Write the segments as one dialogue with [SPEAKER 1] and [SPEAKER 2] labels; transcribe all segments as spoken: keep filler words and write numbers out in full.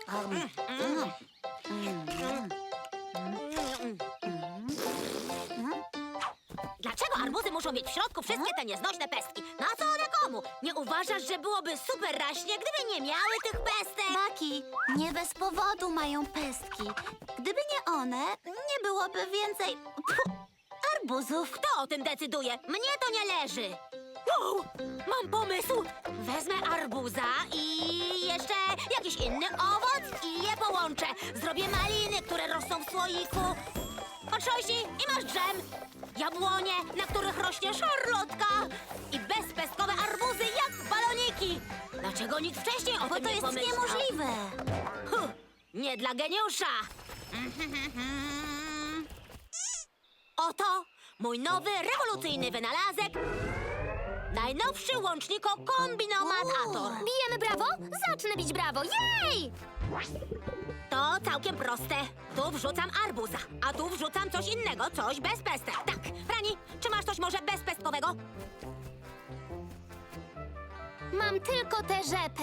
[SPEAKER 1] Dlaczego arbuzy muszą mieć w środku wszystkie te nieznośne pestki? Na co one komu? Nie uważasz, że byłoby super raśnie, gdyby nie miały tych pestek?
[SPEAKER 2] Baki, nie bez powodu mają pestki. Gdyby nie one, nie byłoby więcej pfu, arbuzów.
[SPEAKER 1] Kto o tym decyduje? Mnie to nie leży. Wow, mam pomysł. Wezmę arbuza i jeszcze jakiś inny owoc i je połączę. Zrobię maliny, które rosną w słoiku. Potrząśnij i masz dżem. Jabłonie, na których rośnie szarlotka. I bezpestkowe arbuzy jak baloniki. Dlaczego nikt wcześniej o
[SPEAKER 2] Bo
[SPEAKER 1] tym
[SPEAKER 2] to
[SPEAKER 1] nie
[SPEAKER 2] jest
[SPEAKER 1] pomyślał?
[SPEAKER 2] niemożliwe.
[SPEAKER 1] Huh, nie dla geniusza. Oto mój nowy, rewolucyjny wynalazek. Najnowszy łączniko-kombinomator.
[SPEAKER 3] Bijemy brawo? Zacznę bić brawo. Jej!
[SPEAKER 1] To całkiem proste. Tu wrzucam arbuza, a tu wrzucam coś innego, coś bez pestek. Tak, Frani, czy masz coś może bezpestkowego?
[SPEAKER 3] Mam tylko tę rzepę.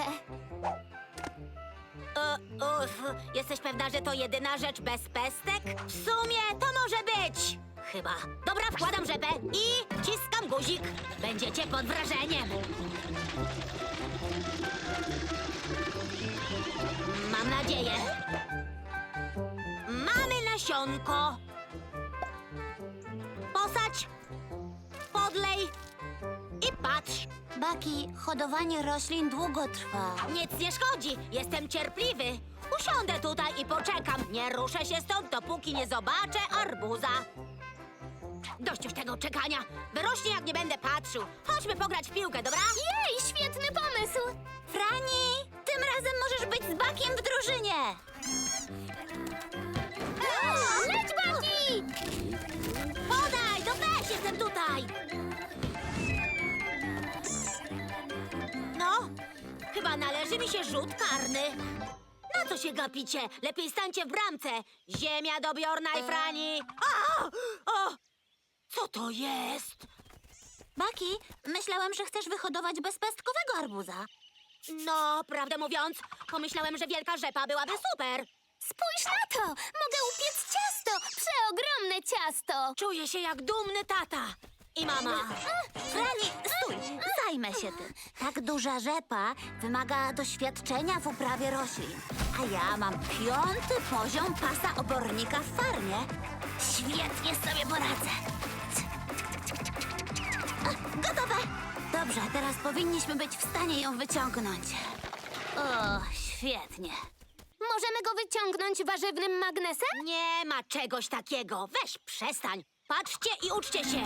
[SPEAKER 1] E, uf, jesteś pewna, że to jedyna rzecz bez pestek? W sumie to może być. Chyba. Dobra, wkładam rzepę i wciskam guzik. Będziecie pod wrażeniem. Mam nadzieję. Mamy nasionko. Posadź, podlej i patrz.
[SPEAKER 2] Baki, hodowanie roślin długo trwa.
[SPEAKER 1] Nic nie szkodzi, jestem cierpliwy. Usiądę tutaj i poczekam. Nie ruszę się stąd, dopóki nie zobaczę arbuza. Dość już tego czekania. Wyrośnie, jak nie będę patrzył. Chodźmy pograć w piłkę, dobra?
[SPEAKER 3] Jej, świetny pomysł!
[SPEAKER 2] Frani, tym razem możesz być z Bakiem w drużynie.
[SPEAKER 3] Leć, Baki!
[SPEAKER 1] Podaj, no weź, jestem tutaj. No, chyba należy mi się rzut karny. Na co się gapicie? Lepiej stańcie w bramce. Ziemia do Bjorna i Frani. O! O! Co to jest?
[SPEAKER 2] Baki, myślałem, że chcesz wyhodować bezpestkowego arbuza.
[SPEAKER 1] No, prawdę mówiąc, pomyślałem, że wielka rzepa byłaby super.
[SPEAKER 3] Spójrz na to! Mogę upiec ciasto! Przeogromne ciasto!
[SPEAKER 1] Czuję się jak dumny tata i mama.
[SPEAKER 2] Frani, stój, zajmę się tym. Tak duża rzepa wymaga doświadczenia w uprawie roślin. A ja mam piąty poziom pasa obornika w farmie. Świetnie sobie poradzę. A, gotowe! Dobrze, teraz powinniśmy być w stanie ją wyciągnąć. O, świetnie.
[SPEAKER 3] Możemy go wyciągnąć warzywnym magnesem?
[SPEAKER 1] Nie ma czegoś takiego. Weź, przestań. Patrzcie i uczcie się.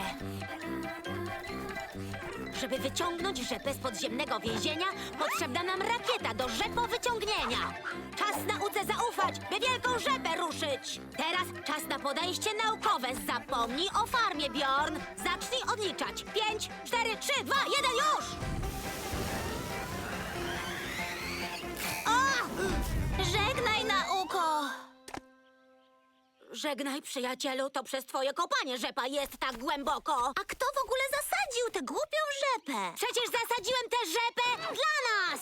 [SPEAKER 1] Żeby wyciągnąć rzepę z podziemnego więzienia, potrzebna nam rakieta do rzepowyciągnięcia. Czas nauce zaufać, by wielką rzepę ruszyć. Teraz czas na podejście naukowe. Zapomnij o farmie, Bjorn. Zacznij odliczać. Pięć, cztery, trzy, dwa, jeden, już! O!
[SPEAKER 2] Żegnaj, nauko!
[SPEAKER 1] Żegnaj, przyjacielu, to przez twoje kopanie rzepa jest tak głęboko.
[SPEAKER 2] A kto w ogóle zasadził tę głupią rzepę?
[SPEAKER 1] Przecież zasadziłem tę rzepę dla nas!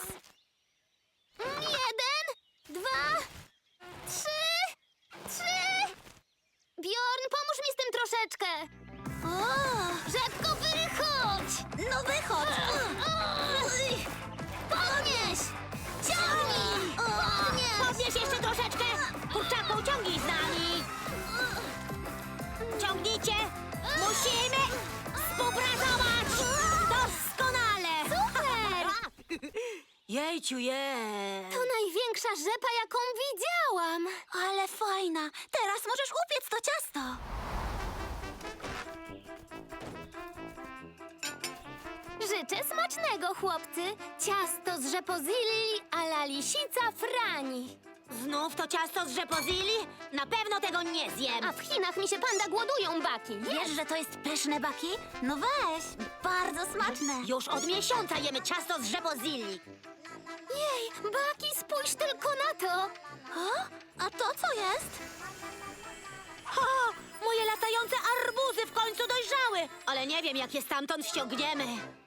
[SPEAKER 3] Jeden, dwa, trzy, trzy! Bjorn, pomóż mi z tym troszeczkę!
[SPEAKER 2] O,
[SPEAKER 3] Rzepko, wychodź!
[SPEAKER 2] no wychodź!
[SPEAKER 3] Oj! Podnieś! Ciągnij! Podnieś!
[SPEAKER 1] Podnieś jeszcze troszeczkę! Kurczaku, ciągnij z nami! Ciągnijcie! Musimy współpracować! Doskonale!
[SPEAKER 3] Super!
[SPEAKER 1] Jejciu, je!
[SPEAKER 3] To największa rzepa, jaką widziałam!
[SPEAKER 2] Ale fajna! Teraz możesz upiec to ciasto!
[SPEAKER 3] Życzę smacznego, chłopcy! Ciasto z rzepozilli a la lisica Frani.
[SPEAKER 1] Znów to ciasto z rzepozili? Na pewno tego nie zjem!
[SPEAKER 3] A w Chinach mi się panda głodują, Baki.
[SPEAKER 2] Wiesz, że to jest pyszne, Baki? No weź! Bardzo smaczne!
[SPEAKER 1] Już od miesiąca jemy ciasto z rzepozili.
[SPEAKER 3] Jej, Baki, spójrz tylko na to!
[SPEAKER 2] O? A to co jest?
[SPEAKER 1] Ha! Moje latające arbuzy w końcu dojrzały! Ale nie wiem, jak je stamtąd ściągniemy.